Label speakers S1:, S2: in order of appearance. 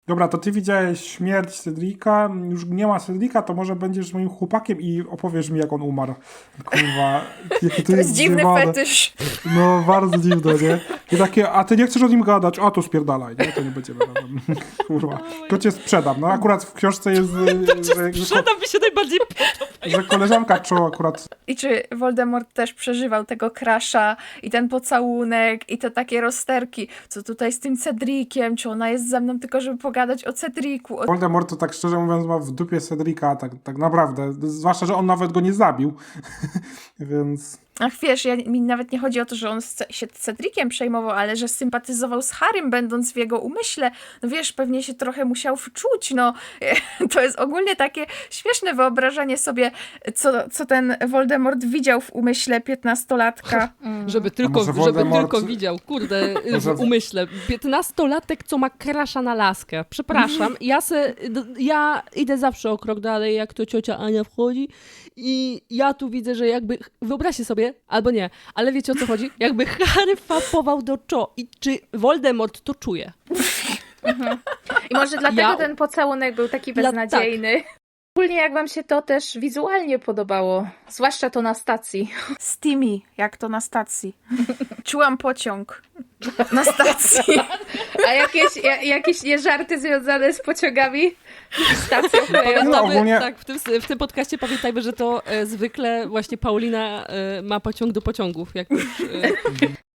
S1: Dobra, to ty widziałeś śmierć Cedrika, już nie ma Cedrika, to może będziesz moim chłopakiem i opowiesz mi, jak on umarł. Kurwa, jakie
S2: To jest dziwny
S1: zjebane.
S2: fetysz.
S1: No, bardzo dziwne, nie? I takie, a ty nie chcesz o nim gadać? A, to spierdalaj, nie? To nie będziemy razem. Kurwa, to cię sprzedam. No akurat w książce jest,
S3: Sprzedam mi się najbardziej
S1: że koleżanka czuła akurat.
S2: I czy Voldemort też przeżywał tego crusha i ten pocałunek i te takie rozterki, co tutaj z tym Cedriciem, czy ona jest ze mną tylko, żeby pogadać o Cedricu, o...
S1: Voldemort to tak szczerze mówiąc ma w dupie Cedrika, tak naprawdę. Zwłaszcza, że on nawet go nie zabił. Więc...
S2: Ach, wiesz, mi nawet nie chodzi o to, że on się Cedriciem przejmował, ale że sympatyzował z Harrym, będąc w jego umyśle. No wiesz, pewnie się trochę musiał wczuć, no. To jest ogólnie takie śmieszne wyobrażenie sobie, co ten Voldemort widział w umyśle 15-latka.
S3: Żeby
S1: może
S3: żeby
S1: Voldemort-
S3: tylko widział, kurde,
S1: Może-
S3: w umyśle. 15-latek, co ma crusha na laskę. Przepraszam, ja idę zawsze o krok dalej, jak to ciocia Ania wchodzi i ja tu widzę, że jakby, wyobraźcie sobie, albo nie, ale wiecie o co chodzi? Jakby Harry fapował do i czy Voldemort to czuje?
S4: I może dlatego
S3: Ja-
S4: ten pocałunek był taki
S3: Dla-
S4: beznadziejny. Ogólnie jak wam się to też wizualnie podobało, zwłaszcza to na stacji.
S2: Steamy, jak to na stacji. Czułam pociąg na stacji.
S4: A jakieś nie żarty związane z pociągami? Stacją kolejową?
S1: No, ogólnie-
S3: Tak, w tym podcaście pamiętajmy, że to zwykle właśnie Paulina ma pociąg do pociągów, jak już